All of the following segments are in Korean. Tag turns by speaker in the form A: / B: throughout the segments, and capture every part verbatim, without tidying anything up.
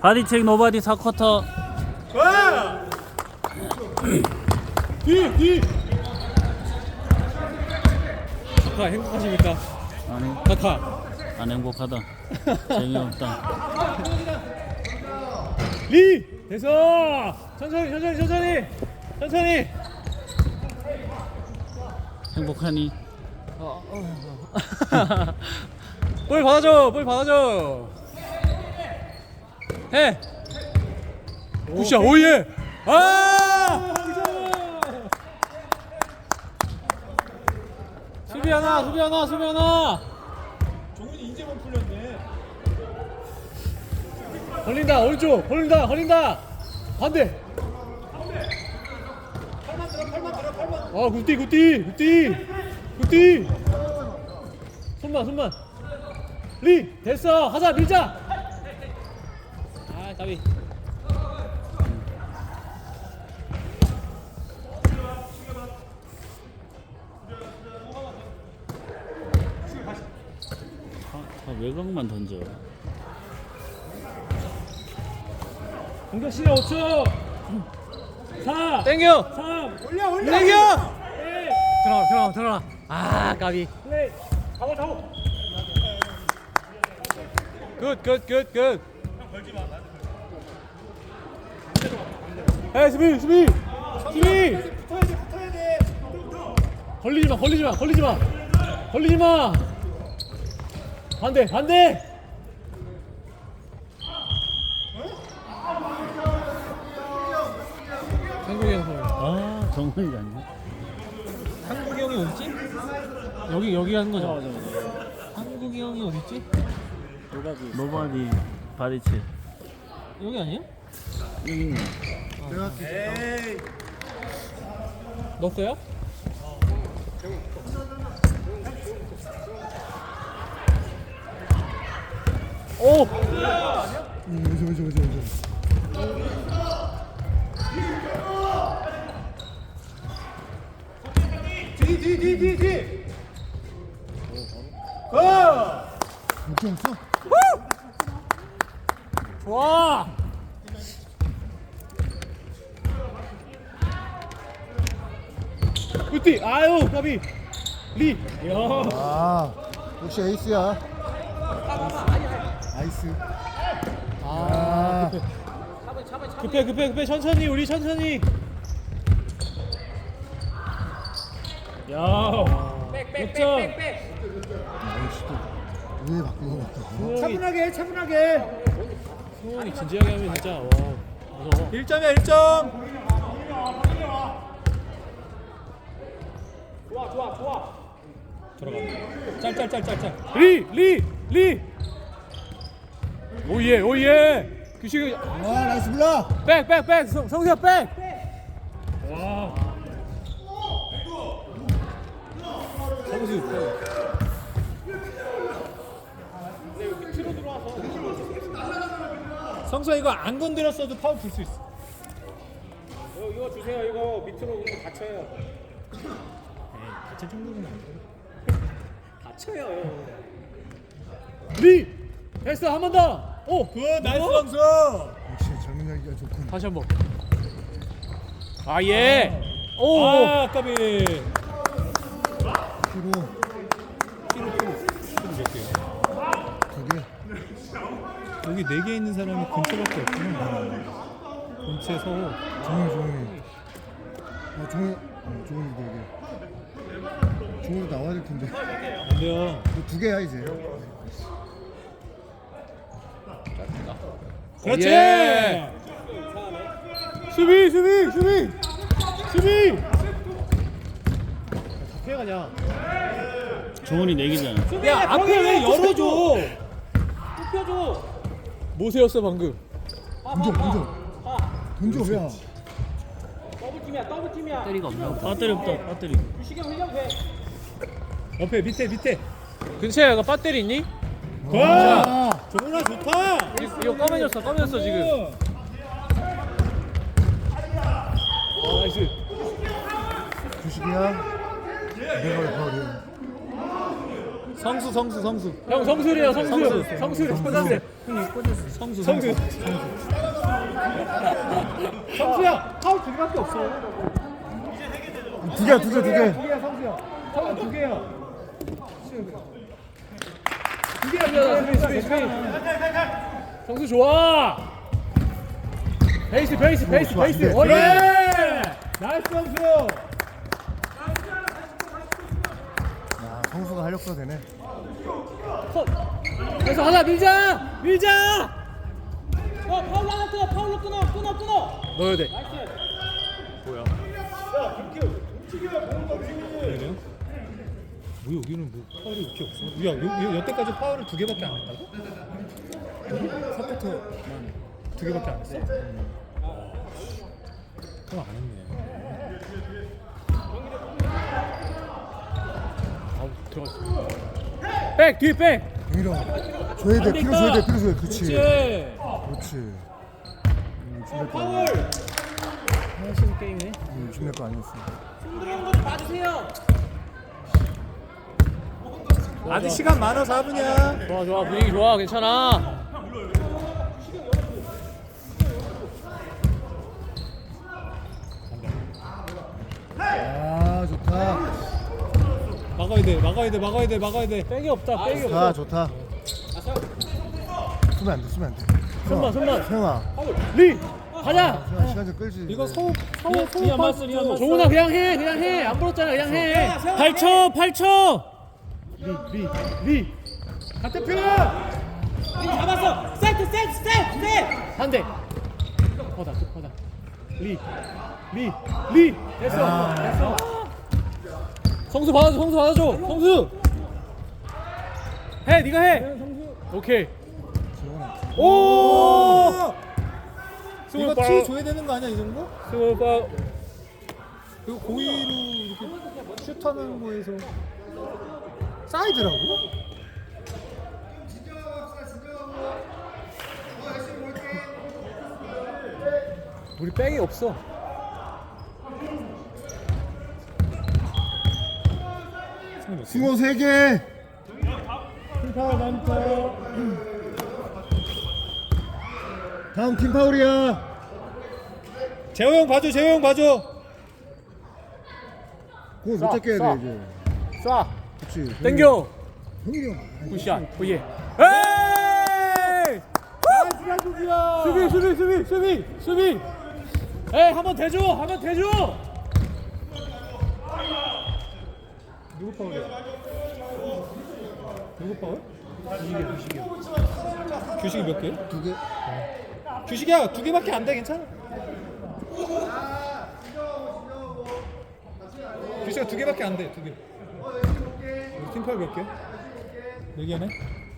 A: 바디체크 노바디 사 쿼터.
B: 뒤! 뒤! 카카 행복하십니까?
A: 아니
B: 카카
A: 안 행복하다. 재미없다.
B: 리! 됐어! 천천히 천천히 천천히 천천히
A: 행복하니?
B: 어, 어, 어. 볼 받아줘 볼 받아줘 해! 굿샷 오예! 아! 수비 하나 수비 하나 수비 하나 종훈이 이제만 풀렸네 걸린다 오른쪽 걸린다 걸린다 반대 팔만 들어 팔만 들어 팔만 아 굿띠 굿띠 굿띠 굿띠 손만 손만 리 됐어 하자 밀자 아 까비
A: 아, 외곽만 던져.
B: 공격 시간 오 초 사 땡겨 삼 올려 올려 땡겨 네. 들어가 들어가 들어가 아 까비 플레이 잡아 잡아 굿굿굿굿 에 수비 수비 수비 붙어야 돼 붙어야 돼 걸리지 마 걸리지 마 걸리지 마 걸리지 마 반대 반대 한국이 형 소리.
A: 아 정훈이 아니야?
B: 한국이 형이 어딨지? 여기 여기 하는 거죠? 맞아 맞아. 한국이 형이 어딨지?
A: 노바디 바디체크.
B: 여기 아니에요?
A: 여기 있네.
B: 에이. 넣었어요? 오!
C: 음, 그죠 그죠 그죠 그죠.
B: 뒤, 뒤, 뒤, 뒤, 뒤. 고!
C: 욕심 없어?
B: 좋아. 굿띠. 아유, 까비. 리. 야.
C: 아 역시 에이스야. 아이스. 아
B: 급해, 급해, 급해. 천천히, 우리 천천히. 야. 백백백백백.
C: 아이스도 왜 바꾸고 바꾸고?
B: 차분하게, 차분하게. 승원이 진지하게 하면 진짜 와. 무서워. 일 점이야, 일 점. 좋아, 좋아, 좋아. 들어가. 짤짤짤짤짤. 리, 리, 리. 오예, 오예. 규식이
C: 아 나이스 블락.
B: 백, 백, 백. 성, 성수야 백. 와. 성수 백. 성수야 이거 안 건드렸어도 파울 불 수 있어. 이거, 이거 주세요. 이거 밑으로 이거 다쳐요. 에이, 다칠 정도는 아니고. 다쳐요. 리 됐어 한 번 더. 오, 굿 나이스 성수.
C: 역시 젊은 열기가 좋군.
B: 다시 한 번. 아 예. 오. 아 까비.
C: 피로
B: 피로 피로 피로 몇 개요?
C: 두 개.
B: 여기 네 개 있는 사람이 근처밖에 없구나. 근처 서호.
C: 종이 종이. 아 종이. 어, 종이 네 개. 종이도 나와야 될 텐데.
B: 안 돼요.
C: 두 개야 이제.
B: 그렇지. 예. 수비 수비 수비 수비. 다 피해가냐?
A: 정훈이 내기잖아.
B: 야 앞에 왜 열어줘? 좁혀줘. 모세였어 방금.
C: 던져 던져. 던져 야.
D: 더블팀이야 더블팀이야
A: 배터리가 없나? 배터리 없다. 배터리.
D: 유식이 형 흘려도 돼
B: 옆에 밑에 밑에. 근처에 이거 배터리 있니?
C: 아.
B: 정훈아 좋다. 이거 꺼매졌어 꺼매졌어 지금. 아 나이스.
C: 주식이야. 내가 왜 파울이야?
B: 성수 성수 성수.
D: 형 성술이에요 성술.
B: 성술.
D: 성술. 성술.
B: 성수 성수. 성수야 파울 두 개밖에 없어.
C: 두 개야 두 개 두 개.
B: 두 개야 성수야. 파울 두 개야. 두 개야.
D: 스페이스 스페이스 스페이스. 성수 좋아. 베이스 베이스 베이스
C: 좋아,
D: 베이스.
C: 네.
D: 어이.
B: 그래. 나이스 성수.
C: 야 성수가 활력소가 되네.
D: 컷. 그래서 하나 밀자 밀자. 어 파울 하나 끊어 파울로 끊어 끊어 끊어. 넣어야 돼.
B: 뭐야? 그래요? 뭐 여기는 뭐 파울이 이렇게 없어? 야, 요, 요, 여태까지 파울을 두 개밖에 안 했다고? 서포터만 두 개밖에 안 했어? 그럼 안 했네.
D: 아우 들어갔어. 백 뒤에 백.
C: 동일아 줘야 돼. 필요 줘야 돼. 필요 줘야 돼. 그렇지.
D: 그렇지.
C: 그렇지. 음, 준비 거 아니었어.
D: 하시는 게임이네.
C: 음, 준비 거 아니었어.
D: 들어오는 거좀 봐주세요.
B: 아직 시간 많아 사 분이야.
D: 좋아 좋아 분위기 좋아 괜찮아.
C: 아 좋다.
B: 막아야 돼, 막아야 돼, 막아야 돼, 막아야 돼.
D: 백이 없다 백이
C: 좋다
D: 없다.
C: 좋다. 쓰면 안 돼. 쓰면 안 돼.
D: 손만 손만.
C: 세영아.
D: 리 가자.
C: 세영아 시간 좀 끌지.
B: 이거 서우 서우
A: 리안
B: 서우
A: 맞스, 리안 맞스.
D: 종훈아 그냥 해 그냥 해 안 불었잖아 그냥 해.
A: 팔 초 팔 초.
B: 리리 같은 편.
D: 잡았어. 세트 세트 세트 세트. 한대. 퍼다 퍼다. 리. 리. 리. 됐어.
C: 아.
D: 됐어. 성수 받아줘 성수 받아줘 성수. 해 네가 해. 오케이. 오.
B: 이거 티 줘야 되는 거 아니야 이 정도?
D: 스몰 파울.
B: 이거 고의로 이렇게 슛하는 거에서 사이드라고?
D: 우리 백이 없어.
C: 승호 세 개.
B: 팀 파울 난 파울.
C: 다음 팀 파울이야.
B: 재호 형 봐줘, 재호 형 봐줘.
C: 공을 못 잡게 해야
D: 쏴.
C: 돼 이제.
D: 쏴.
C: 그렇지.
D: 땡겨.
C: 형이 형.
D: 굿샷. 오예. 에이!
B: 나이스가 누구야?
D: 수비 수비 수비 수비 수비. 에이 한번 대줘 한번 대줘.
B: 누구 파울이야? 누구 파울? 규식이야, 규식이야. 규식이 몇 개?
C: 두 개.
B: 규식이야, 두 개밖에 안 돼, 괜찮아. 규식아 두 개밖에 안 돼, 두 개. 우리 팀 파울 몇 개? 네 개네.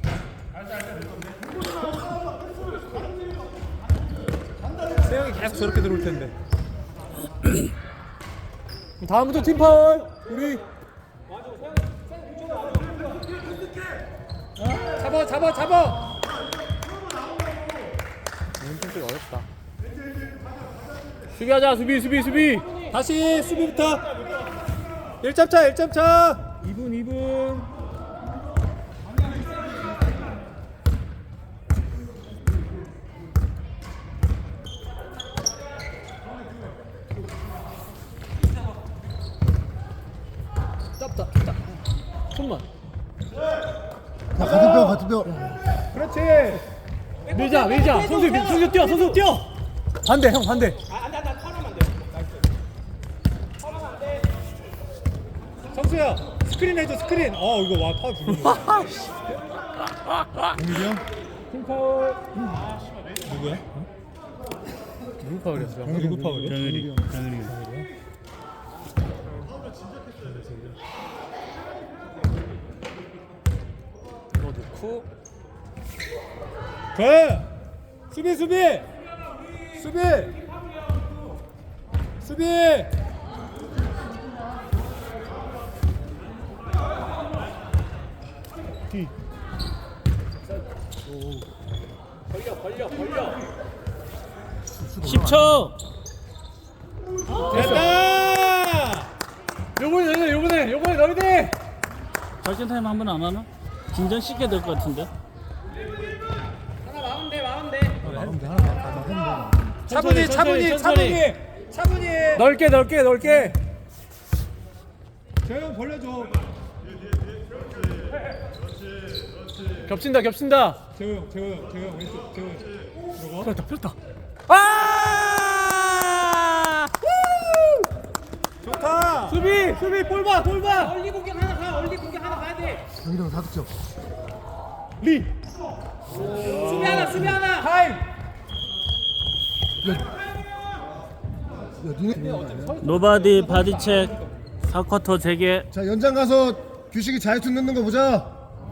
B: 세영이 계속 저렇게 들어올 텐데.
D: 다음부터 팀 파울. 우리
B: 잡아, 잡아, 잡아.
D: 좀 어렵다. 수비하자 수비 수비 수비.
B: 다시 수비부터. 일 점 차, 일 점 차.
D: 이 분 이 분. 짧다 짧다. 손만.
C: 야, 같은 뼈 같은 뼈.
B: 그렇지.
D: 밀자 밀자. 선수 선수 뛰어 선수 뛰어. 반대 형 반대.
B: 성수야, 스크린 해줘, 스크린. 어, 이거 와, 파울 불리네.
C: 동일이 형.
B: 팀 파울. 누구야?
D: 누구 파울이었어?
B: 누구 파울이야?
A: 병일이 병일이.
D: 이거 넣고.
B: 그 수비 수비 수비 수비.
C: 뒤.
D: 벌려 벌려 벌려.
A: 십 초.
B: 됐다.
D: 요번에 너희들 요번에 요번에 너희들
A: 발전 타임 한 번 안 하나? 긴장 쉽게 될 것 같은데.
D: 하나 막으면 돼 막으면 돼.
C: 막으면 돼. 하나 막 막으면 돼.
B: 차분히 차분히 차분히 차분히.
D: 넓게 넓게 넓게.
B: 재영 벌려줘.
D: 겹친다 겹친다.
B: 재영 재영 재영 왼쪽 재영. 이거.
D: 폈다 폈다. 아!
B: 좋다.
D: 수비 수비 볼봐 볼봐. 얼리 공격 하나 가 얼리 공격 하나 가야 돼.
C: 여기랑 다 득점.
B: 리.
D: 수비 하나 수비 하나.
B: 타임.
C: 야, 니네.
A: 노바디 바디책 사 쿼터 재개.
C: 자, 연장 가서 규식이 자유투 넣는 거 보자.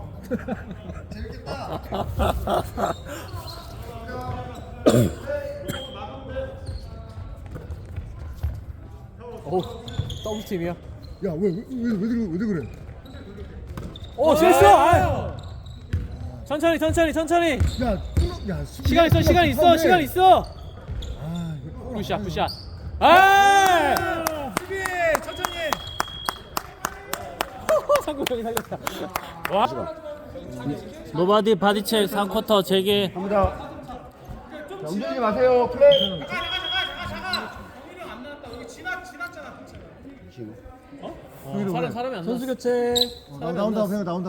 D: 오 더블 팀이야.
C: 야, 왜 왜 왜 왜 그래? 왜 그래?
D: 오 실수. 아. 천천히 천천히 천천히.
C: 야, 끊어- 야, 수비-
D: 시간 있어 시간 있어
C: 파울해.
D: 시간 있어.
C: 아, 이거
D: 굿샷 굿샷. 아!
B: 수비 천천히.
D: 상구 형이 살렸다. 와.
A: 노바디 바디책 사 쿼터 재개.
C: 갑니다. 자, 움직이지 마세요. 플레이.
D: 어, 사람 사람이 안 선수 교체.
C: 어, 나, 나온다. 그냥 나온다.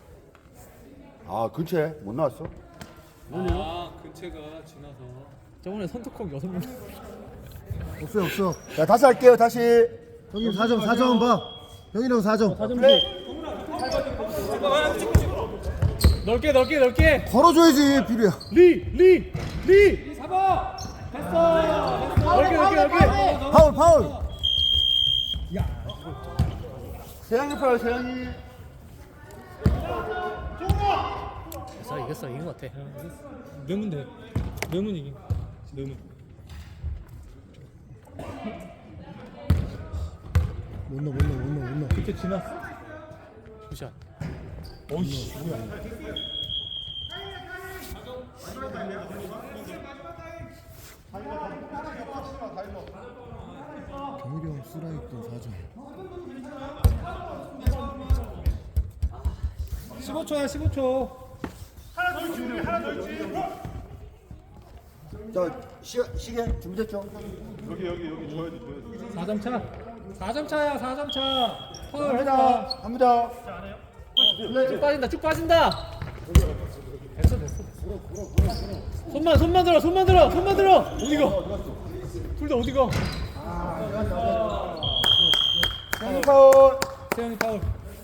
E: 아 근처에 못 나왔어?
B: 아 근체가 지나서.
D: 저번에 선투콕 여섯 명.
C: 없어요, 없어.
E: 자 다시 할게요 다시.
C: 형님 사 점, 사 점 봐. 형이랑 사 점.
D: 넓게 넓게 넓게.
C: 걸어줘야지, 비리야.
B: 리리 리. 잡아. 됐어.
D: 넓게 넓게 넓게.
C: 파울, 파울.
E: 세영이 파요 세영이.
D: 자 이겼어 이긴 것 같아.
B: 넣으면 돼. 넣으면 이긴. 넣으면.
C: 못 넣어, 못 넣어, 못 넣어, 못 넣어.
B: 이렇게 지났어.
D: 굿샷.
B: 어이씨 뭐야.
C: 경일이 형 쓰라했던 사 점.
B: 십오 초야 십오 초.
E: 저 시계 시계 준비됐죠?
B: 사 점 차. 사 점 차야 사 점 차. 파울
E: 갑니다
B: 했다.
E: 갑니다.
D: 쭉 빠진다 쭉 빠진다. 됐어 됐어. 손만 손만 들어 손만 들어 손만 들어. 어디가? 둘 다 어디가?
E: 세영이 파울.
B: 세영이 파울.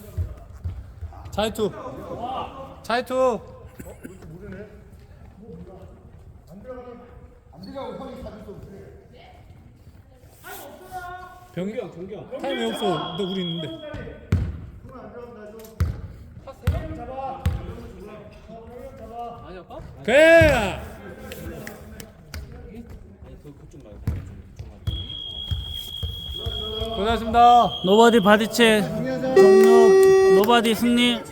B: 자이투. 자이투. 병이 타임이 없어. 너 우리 있는데.
D: 아니 아빠?
B: 그래. 고생하셨습니다.
A: 노바디 바디책 종료. 노바디 승리.